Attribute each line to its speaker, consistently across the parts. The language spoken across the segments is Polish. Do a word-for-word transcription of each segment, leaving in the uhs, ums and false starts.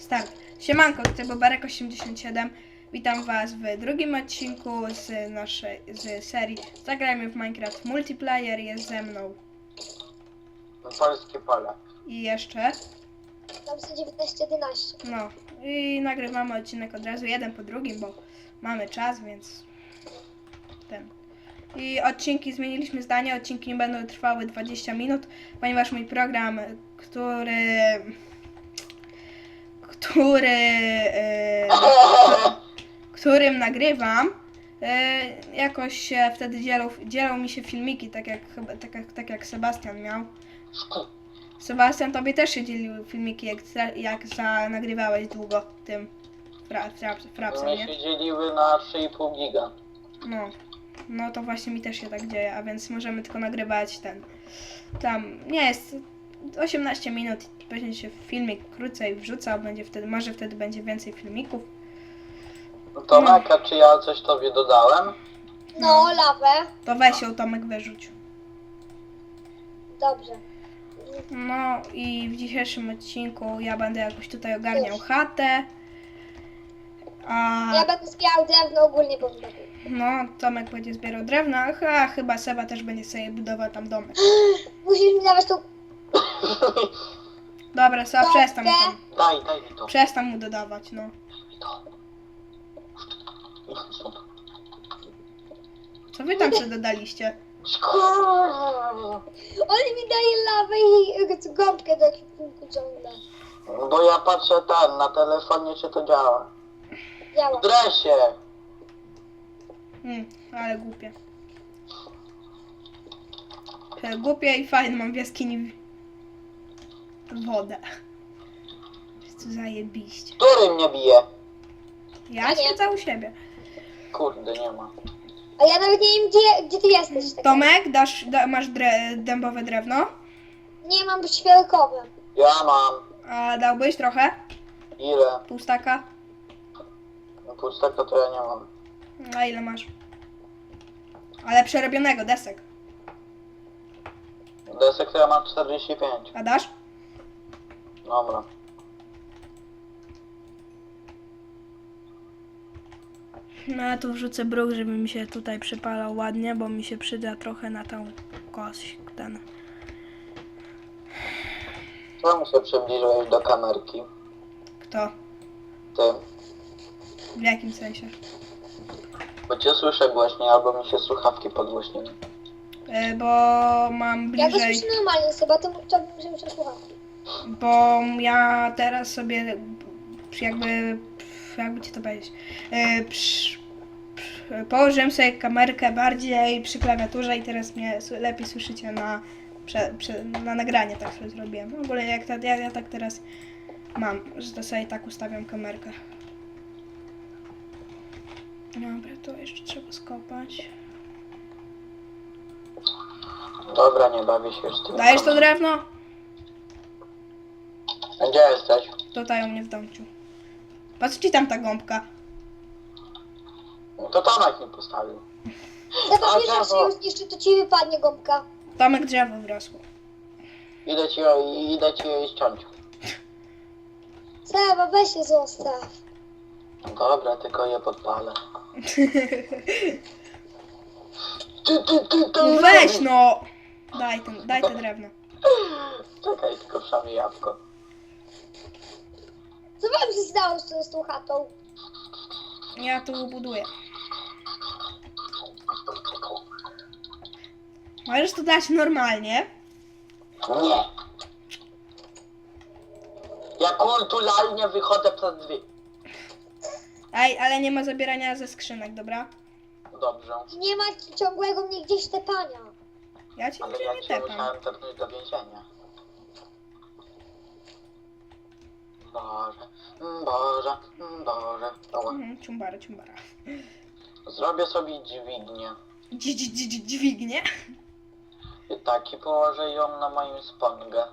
Speaker 1: Start. Siemanko, to Bobarek osiemdziesiąt siedem. Witam was w drugim odcinku z naszej z serii Zagrajmy w Minecraft Multiplayer. Jest ze mną
Speaker 2: Polskie pole.
Speaker 1: i jeszcze.
Speaker 3: Tam są dziewiętnaście jedenaście.
Speaker 1: No i nagrywamy odcinek od razu, jeden po drugim, bo mamy czas, więc ten. I odcinki, zmieniliśmy zdanie, odcinki nie będą trwały dwadzieścia minut, ponieważ mój program, który... który... Yy, którym nagrywam, yy, jakoś się wtedy dzielą, dzielą mi się filmiki, tak jak, chyba- tak, jak, tak jak Sebastian miał. Sebastian, tobie też się dzieliły filmiki, jak, jak za, nagrywałeś długo tym fra, fra, frapsem,
Speaker 2: Mnie
Speaker 1: nie?
Speaker 2: się dzieliły na trzy i pół giga.
Speaker 1: No, no to właśnie mi też się tak dzieje, a więc możemy tylko nagrywać ten, tam, nie jest, osiemnaście minut, będzie się filmik krócej wrzucał, będzie wtedy, może wtedy będzie więcej filmików.
Speaker 2: No to Maka, czy ja coś tobie dodałem?
Speaker 3: No, lawę.
Speaker 1: To weź ją, Tomek, wyrzuć.
Speaker 3: Dobrze.
Speaker 1: No i w dzisiejszym odcinku ja będę jakoś tutaj ogarniał chatę. A
Speaker 3: Ja będę zbierał drewno ogólnie, bo będę.
Speaker 1: no, Tomek będzie zbierał drewno, a chyba Seba też będzie sobie budował tam domek.
Speaker 3: Musisz mi dawać tą
Speaker 1: Dobra, Seba, przestań mu tam,
Speaker 2: Daj, daj mi to.
Speaker 1: przestań mu dodawać, no.
Speaker 2: Daj mi to. Idź stąd.
Speaker 1: Co wy tam sobie dodaliście?
Speaker 3: On mi daje lawę i y, gąbkę do ekwipunku ciągle.
Speaker 2: Bo ja patrzę ten, na telefonie czy to działa.
Speaker 3: Działa.
Speaker 2: W dresie.
Speaker 1: Hmm, ale głupie. E, Głupie i fajne, mam w jaskini wodę. Jest to zajebiście.
Speaker 2: Który mnie bije?
Speaker 1: Ja
Speaker 3: Ja nie.
Speaker 1: siedzę u siebie.
Speaker 2: Kurde, nie ma.
Speaker 3: A ja nawet nie wiem, gdzie, gdzie ty jesteś. Tak
Speaker 1: Tomek, dasz, da, masz dre, dębowe drewno?
Speaker 3: Nie mam świerkowe.
Speaker 2: Ja mam.
Speaker 1: A dałbyś trochę?
Speaker 2: Ile?
Speaker 1: Pół staka?
Speaker 2: No pustaka to ja nie mam.
Speaker 1: A ile masz? Ale przerobionego, desek.
Speaker 2: Desek to ja mam czterdzieści pięć.
Speaker 1: A dasz?
Speaker 2: Dobra.
Speaker 1: No ja tu wrzucę bruk, żeby mi się tutaj przypalał ładnie, bo mi się przyda trochę na tą kość, ten.
Speaker 2: Czemu się przybliżyłeś do kamerki?
Speaker 1: Kto?
Speaker 2: Ty.
Speaker 1: W jakim sensie?
Speaker 2: Bo cię słyszę głośniej, albo mi się słuchawki podgłośniły.
Speaker 1: E, bo mam
Speaker 3: Ja go
Speaker 1: bliżej,
Speaker 3: słyszę normalnie, sobie to żebym się słuchał.
Speaker 1: bo ja teraz sobie jakby, jakby ci to powiedzieć, e, przy, przy, położyłem sobie kamerkę bardziej przy klawiaturze i teraz mnie s- lepiej słyszycie na, prze, prze, na nagranie, tak sobie zrobiłem. W ogóle jak ta, ja, ja tak teraz mam, że to sobie tak ustawiam kamerkę. Dobra, to jeszcze trzeba skopać.
Speaker 2: Dobra, nie bawię się już z tym.
Speaker 1: Dajesz to drewno?
Speaker 2: A gdzie jesteś?
Speaker 1: Tutaj u mnie w domciu. Patrz ci tam ta gąbka.
Speaker 2: No to Tomek mi postawił.
Speaker 3: Chyba
Speaker 2: A
Speaker 3: wiesz, jak
Speaker 2: drzewo.
Speaker 3: się już jeszcze, to ci wypadnie gąbka.
Speaker 1: Tomek drzewo wyrosło.
Speaker 2: Idę ci, idę ci jej ściąć.
Speaker 3: Seba, weź się zostaw.
Speaker 2: No dobra, tylko je podpalę. Ty, ty, ty, ty,
Speaker 1: Weź no! Daj ten, daj te drewno.
Speaker 2: Czekaj, tylko wszamy jabłko.
Speaker 3: Co wam się stało z, tą- z tą chatą?
Speaker 1: Ja tu buduję. Możesz to dać normalnie.
Speaker 2: Nie. Ja kulturalnie wychodzę przez drzwi.
Speaker 1: Ej, ale nie ma zabierania ze skrzynek, dobra?
Speaker 2: Dobrze.
Speaker 3: Nie ma ciągłego mnie gdzieś tepania.
Speaker 1: Ja cię
Speaker 2: Ale
Speaker 1: nigdzie
Speaker 2: ja
Speaker 1: nie
Speaker 2: cię
Speaker 1: tepam.
Speaker 2: musiałem tepnąć do więzienia. Boże, mm, Boże, mm, Boże. Ała.
Speaker 1: Mhm, ciumbara, ciumbara.
Speaker 2: Zrobię sobie dźwignię.
Speaker 1: Dzi- dzi- dzi- dzi- Dźwignię?
Speaker 2: I tak, i położę ją na moim spongę.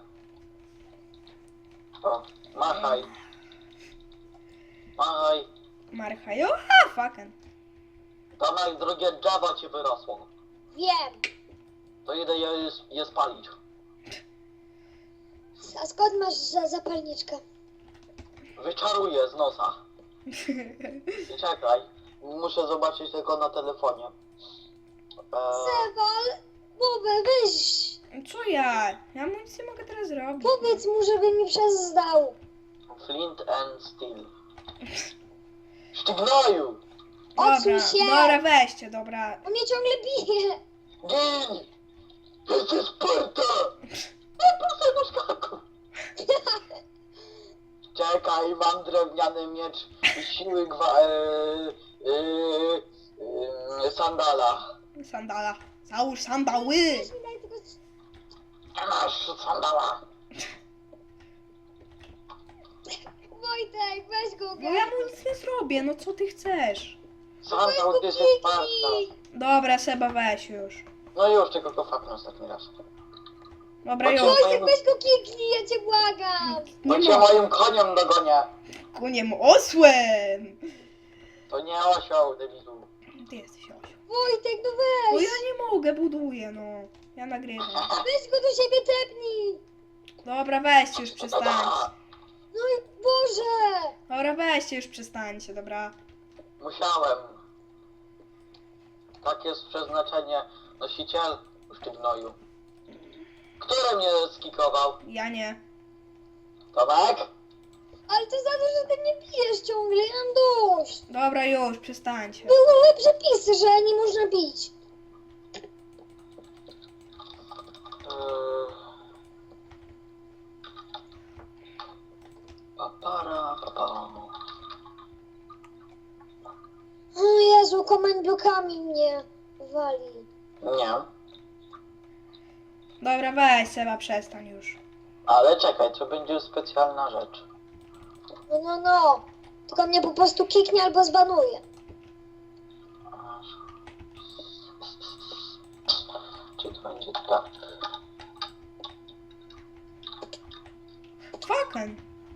Speaker 2: O, machaj. Machaj.
Speaker 1: Marcha, a fucking.
Speaker 2: Tomek, drugie drzewo ci wyrosło.
Speaker 3: Wiem.
Speaker 2: To idę je, je spalić.
Speaker 3: A skąd masz za zapalniczkę?
Speaker 2: wyczaruję z nosa. I czekaj, muszę zobaczyć tylko na telefonie. Eee,
Speaker 3: Sewal, Bobę, weź.
Speaker 1: Co ja? Ja mu nic nie mogę teraz zrobić.
Speaker 3: Powiedz mu, żeby mi przezdał.
Speaker 2: Flint and Steel. Sztygnoju!
Speaker 1: Dobra,
Speaker 3: Odsuń się.
Speaker 1: dobra, weźcie, dobra.
Speaker 3: On mnie ciągle bije.
Speaker 2: Gin! Jesteś Sparta! Nie proszę do szkaku! Czekaj, mam drewniany miecz i siły gwa... E, e, e, sandala.
Speaker 1: Sandala. Załóż sandały.
Speaker 3: Weź mi daj tylko...
Speaker 2: Nie masz sandala.
Speaker 3: Wojtek, weź go,
Speaker 1: No ja mu nic nie zrobię, no co ty chcesz?
Speaker 2: Sandał, ty jesteś Sparta.
Speaker 1: Dobra, Seba, weź już.
Speaker 2: No już, tylko go faknę ostatni raz.
Speaker 1: Dobra, już.
Speaker 3: Wojtek, weź go kiknij, ja cię błagam.
Speaker 2: Bo
Speaker 1: Nie
Speaker 2: cię
Speaker 1: ma.
Speaker 2: moim koniem dogonię.
Speaker 1: Koniem osłem.
Speaker 2: To nie osioł, debilu.
Speaker 1: Ty jesteś osioł.
Speaker 3: Wojtek, no
Speaker 1: No
Speaker 3: weź.
Speaker 1: ja nie mogę, buduję, no. Ja nagrywam.
Speaker 3: Weź go do siebie tepnij.
Speaker 1: Dobra, weźcie już, przestańcie.
Speaker 3: No i Boże.
Speaker 1: Dobra, weźcie już, przestańcie, dobra.
Speaker 2: Musiałem. Tak jest przeznaczenie. Nosiciel sztygnoju. Który mnie skikował?
Speaker 1: Ja nie.
Speaker 2: Tomek?
Speaker 3: Ale to za to, że ty mnie bijesz ciągle, ja mam dość.
Speaker 1: Dobra, już, przestańcie.
Speaker 3: Były przepisy, że nie można bić.
Speaker 2: Yy... Papara, papara.
Speaker 3: O Jezu, komend blokami mnie wali.
Speaker 2: Nie.
Speaker 1: Dobra, weź, Seba, przestań już.
Speaker 2: Ale czekaj, to będzie specjalna rzecz.
Speaker 3: No, no, no. Tylko mnie po prostu kiknie albo zbanuje.
Speaker 2: Czy to będzie tak?
Speaker 1: Fucking.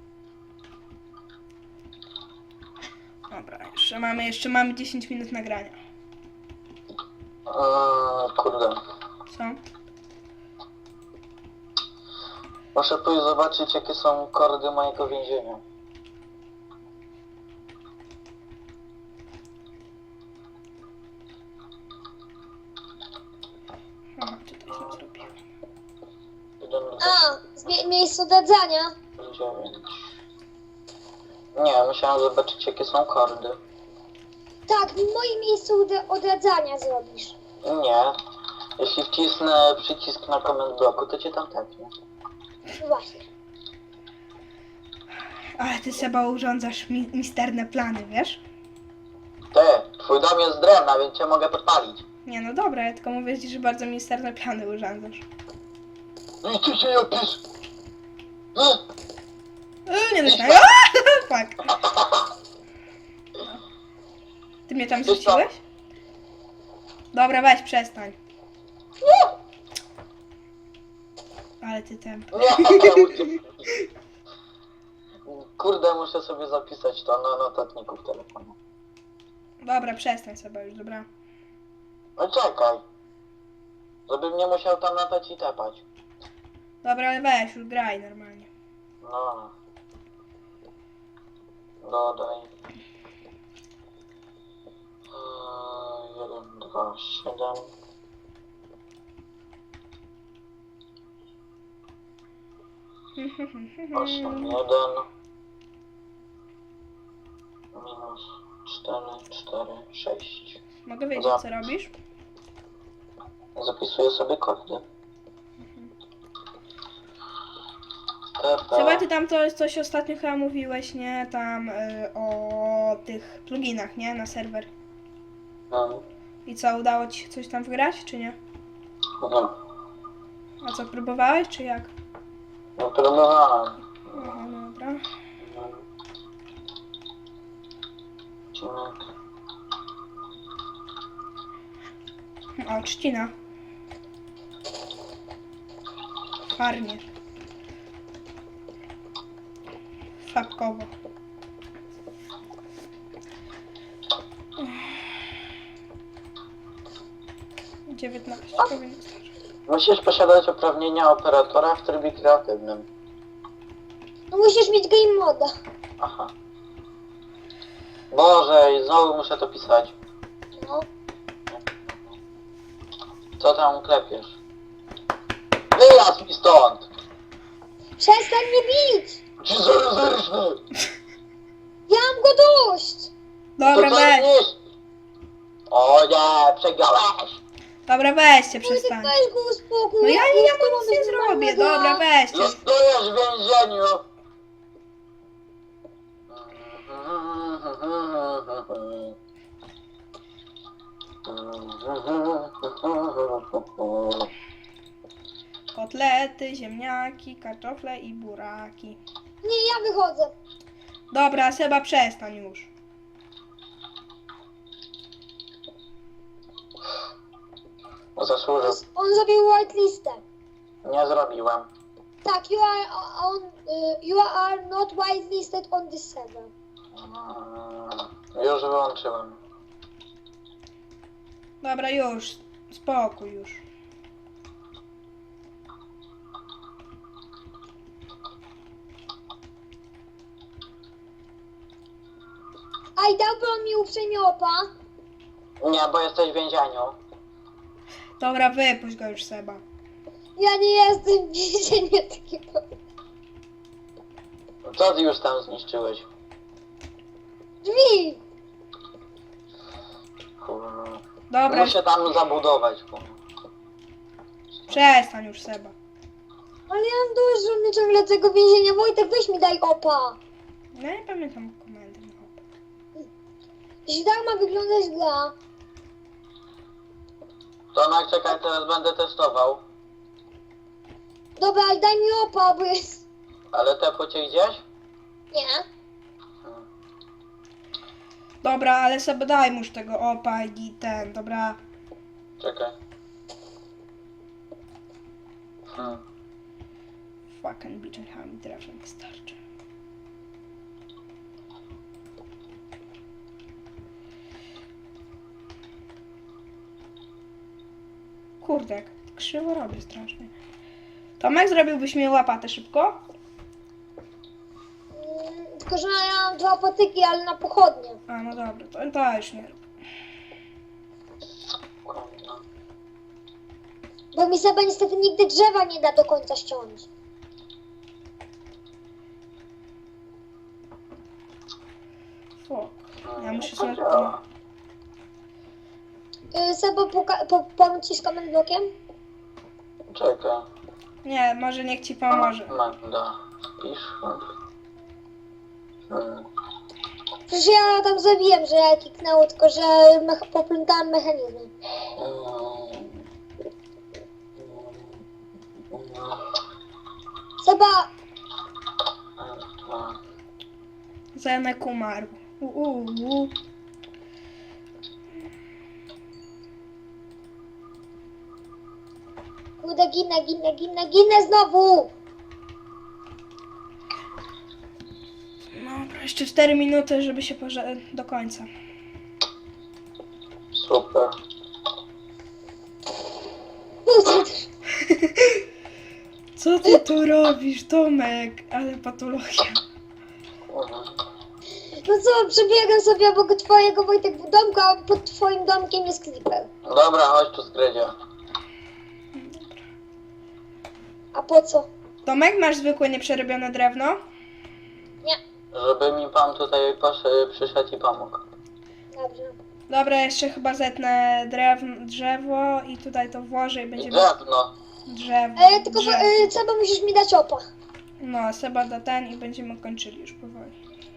Speaker 1: Dobra, jeszcze mamy, jeszcze mamy dziesięć minut nagrania.
Speaker 2: Yy, kurde.
Speaker 1: Co?
Speaker 2: Muszę pójść zobaczyć, jakie są kordy mojego więzienia.
Speaker 1: Aha, czy to źle zrobiłem?
Speaker 2: Jeden,
Speaker 3: A, zmie- miejsce odradzania.
Speaker 2: dwa, dziewięć. Nie, musiałem zobaczyć, jakie są kordy.
Speaker 3: Tak, w moim miejscu od- odradzania zrobisz.
Speaker 2: Nie. Jeśli wcisnę przycisk na command bloku, to cię tam tepnie.
Speaker 3: No właśnie.
Speaker 1: Ale ty, Seba, urządzasz mi misterne plany, wiesz?
Speaker 2: Ty, twój dom jest z drewna, więc cię mogę podpalić.
Speaker 1: Nie, no dobra, ja tylko mówię ci, że bardzo misterne plany urządzasz.
Speaker 2: No i ty się nie opisz.
Speaker 1: Yy, nie myślałem. Fuck. Ty mnie tam
Speaker 2: Wiesz co?
Speaker 1: rzuciłeś? Dobra, weź, przestań. Ale ty tępy.
Speaker 2: Nie, uciekł. Kurde, muszę sobie zapisać to na notatniku w telefonie.
Speaker 1: Dobra, przestań sobie już, dobra.
Speaker 2: No czekaj. Żebym nie musiał tam latać i tepać.
Speaker 1: Dobra, ale weź, już graj normalnie.
Speaker 2: No. Dodaj. Eee, jeden, dwa, siedem. osiem, jeden. Minus cztery, cztery, sześć.
Speaker 1: Mogę wiedzieć, co robisz?
Speaker 2: Zapisuję sobie kordy.
Speaker 1: Chyba ty tam to, coś ostatnio chyba mówiłeś, nie? Tam y, o tych pluginach, nie? Na serwer.
Speaker 2: Hmm.
Speaker 1: I co, udało ci się coś tam wgrać, czy nie?
Speaker 2: Nie.
Speaker 1: A co, próbowałeś, czy jak?
Speaker 2: No próbowałem.
Speaker 1: Aha, dobra.
Speaker 2: Odcinek.
Speaker 1: O, trzcina. Farnie. Fabkowo. dziewiętnaście powinno starczyć.
Speaker 2: Musisz posiadać uprawnienia operatora w trybie kreatywnym.
Speaker 3: No musisz mieć game moda.
Speaker 2: Aha. Boże, i znowu muszę to pisać.
Speaker 3: No.
Speaker 2: Co tam klepiesz? Wyjazd mi stąd!
Speaker 3: Przestań mnie bić!
Speaker 2: Ci zerżny!
Speaker 3: Ja mam go dość!
Speaker 1: Dobra,
Speaker 2: to
Speaker 1: weź.
Speaker 2: nie. O nie, przegrałeś!
Speaker 1: Dobra, weźcie,
Speaker 3: Wojtek,
Speaker 1: przestań.
Speaker 3: weź go uspokój.
Speaker 1: No ja,
Speaker 3: nie
Speaker 1: ja
Speaker 3: chcę
Speaker 1: mu nic nie
Speaker 3: robić
Speaker 1: zrobię.
Speaker 3: normalnego.
Speaker 1: Dobra, weźcie.
Speaker 2: Zostajesz w więzieniu!
Speaker 1: Kotlety, ziemniaki, kartofle i buraki.
Speaker 3: Nie, ja wychodzę.
Speaker 1: Dobra, Seba, przestań już.
Speaker 2: Zasłużył.
Speaker 3: On zrobił whitelistę.
Speaker 2: Nie zrobiłem.
Speaker 3: Tak, you are on, y, you are not whitelisted on this server.
Speaker 2: Mm, Już wyłączyłem.
Speaker 1: Dobra, już. Spokój już.
Speaker 3: A i dałby on mi uprzejmie opa.
Speaker 2: Nie, bo jesteś w więzieniu.
Speaker 1: Dobra, wypuść go już, Seba.
Speaker 3: Ja nie jestem w więzieniu takiego.
Speaker 2: Co ty już tam zniszczyłeś?
Speaker 3: Drzwi!
Speaker 2: Kurwa.
Speaker 1: Dobra,
Speaker 2: Muszę tam zabudować. Kurwa.
Speaker 1: przestań już, Seba.
Speaker 3: Ale ja mam dość, że mnie ciągle tego więzienia. Wojtek, weź mi daj opa.
Speaker 1: No nie pamiętam komendy. No.
Speaker 3: Jeśli tak ma wyglądać gra.
Speaker 2: Tomek, czekaj, teraz będę testował.
Speaker 3: Dobra, ale daj mi opa, bo jest...
Speaker 2: Ale te cię gdzieś?
Speaker 3: Nie.
Speaker 1: Dobra, ale sobie daj mu już tego opa i ten, dobra.
Speaker 2: Czekaj. Hmm.
Speaker 1: Fucking bitchami drewnem wystarczy. Kurde, jak krzywo robię strasznie. Tomek, zrobiłbyś mi łapatę szybko?
Speaker 3: Mm, tylko, że ja mam dwa patyki, ale na pochodnie.
Speaker 1: A, no dobra, to, to już nie rób.
Speaker 2: Kurwa.
Speaker 3: Bo mi Seba niestety nigdy drzewa nie da do końca ściąć.
Speaker 1: Fuck. Ja muszę
Speaker 2: To
Speaker 1: sobie...
Speaker 2: działa.
Speaker 3: Yy, Seba, poka- po- pomóc ci z comment blokiem?
Speaker 2: Czekaj.
Speaker 1: Nie, może niech ci pomoże.
Speaker 2: Magda. Pisz. Hmm.
Speaker 3: Przecież ja tam zabiłem, że ja kiknęło, tylko że mecha- poplątałem mechanizmy. Seba,
Speaker 1: Zenek umarł. Uuu.
Speaker 3: kurde, ginę, ginę, ginę, ginę znowu!
Speaker 1: Dobra, jeszcze cztery minuty, żeby się poże... do końca.
Speaker 2: Super.
Speaker 3: Kurde,
Speaker 1: Co ty tu robisz, Tomek? Ale patologia.
Speaker 3: no co, przebiegam sobie obok twojego, Wojtek, domku, a pod twoim domkiem jest creeper.
Speaker 2: Dobra, chodź tu skrydzie.
Speaker 3: A po co?
Speaker 1: Tomek, masz zwykłe nieprzerobione drewno?
Speaker 3: Nie.
Speaker 2: Żeby mi pan tutaj posz- przyszedł i pomógł.
Speaker 3: Dobrze.
Speaker 1: Dobra, jeszcze chyba zetnę drew- drzewo i tutaj to włożę i
Speaker 2: I
Speaker 1: będziemy...
Speaker 2: drewno.
Speaker 1: Drzewo.
Speaker 3: E, tylko
Speaker 1: drzewo.
Speaker 3: e, Seba, musisz mi dać opa.
Speaker 1: No, Seba da ten i będziemy kończyli już powoli.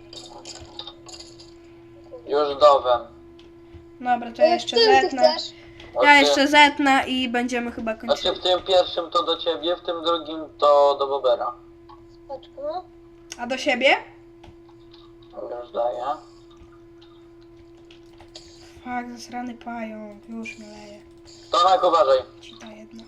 Speaker 2: Już dowem.
Speaker 1: Dobra, to ja
Speaker 3: E,
Speaker 1: jeszcze
Speaker 3: w którym ty
Speaker 1: zetnę.
Speaker 3: chcesz?
Speaker 1: Ja jeszcze zetnę i będziemy chyba
Speaker 2: Znaczy
Speaker 1: kończyli.
Speaker 2: w tym pierwszym to do ciebie, w tym drugim to do Bobera.
Speaker 3: Paczko, no.
Speaker 1: A do siebie?
Speaker 2: Już daję.
Speaker 1: Fak, zasrany pająk. Już mnie leje.
Speaker 2: Tomek, uważaj.
Speaker 1: Ci to jedno.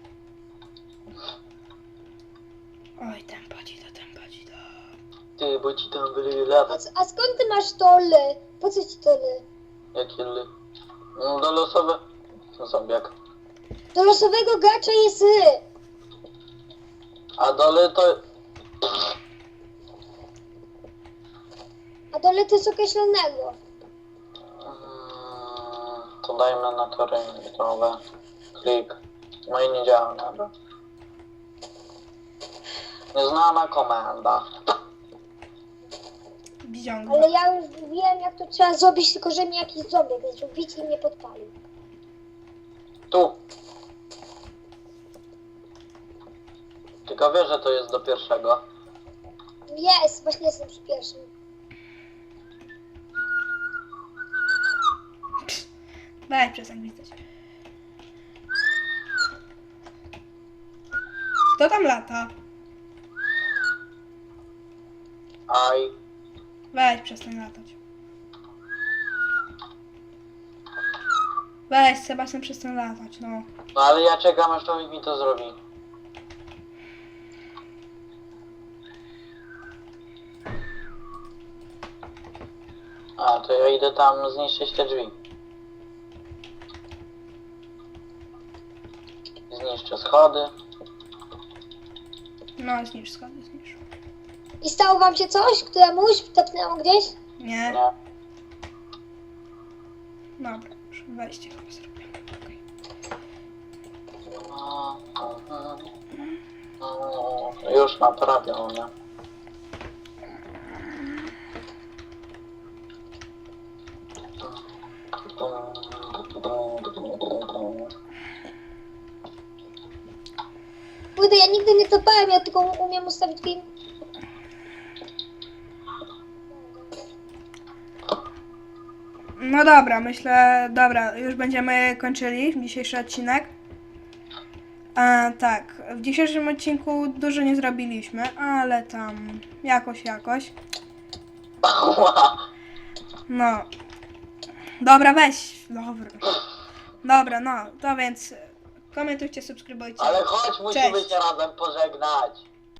Speaker 1: Oj, tempa ci to, tempa ci to.
Speaker 2: Ty, bo ci tam wyleje
Speaker 3: A,
Speaker 2: lawę.
Speaker 3: c- a skąd ty masz to ly? Po co ci to ly?
Speaker 2: Jakie ly? No, do losowe. To zombiak.
Speaker 3: Do losowego gracza jest ly.
Speaker 2: A dole to...
Speaker 3: A dole to jest określonego.
Speaker 2: Mm, to dajmy na tory gotowe. Klik. No i nie działa, dobra. Nieznana komenda.
Speaker 1: Wziąg.
Speaker 3: Ale ja już wiem, jak to trzeba zrobić, tylko że mnie jakiś zombie zrobić i mnie podpalił.
Speaker 2: Tu. Tylko wiesz, że to jest do pierwszego.
Speaker 3: Jest, właśnie jestem przy pierwszym.
Speaker 1: Weź przestań gwizdać. Kto tam lata?
Speaker 2: Aj.
Speaker 1: Weź przestań latać. Weź Sebastian przestań latać, no.
Speaker 2: No ale ja czekam, aż człowiek mi to zrobi. A, to ja idę tam zniszczyć te drzwi. Zniszczę schody.
Speaker 1: No zniszcz schody, zniszcz.
Speaker 3: I stało wam się coś? Któremuś topnęło gdzieś?
Speaker 1: Nie?
Speaker 2: Nie.
Speaker 1: Dobra, już wejście chyba zrobię. Okej.
Speaker 2: No, mhm. No, już naprawione.
Speaker 3: Kurde, ja nigdy nie topałem, ja tylko umiem ustawić film.
Speaker 1: No dobra, myślę, dobra, już będziemy kończyli dzisiejszy odcinek. A, tak, w dzisiejszym odcinku dużo nie zrobiliśmy, ale tam jakoś, jakoś. No. Dobra, weź. Dobra. Dobra, no, to więc komentujcie, subskrybujcie.
Speaker 2: Ale chodź, musimy
Speaker 1: Cześć.
Speaker 2: się razem pożegnać.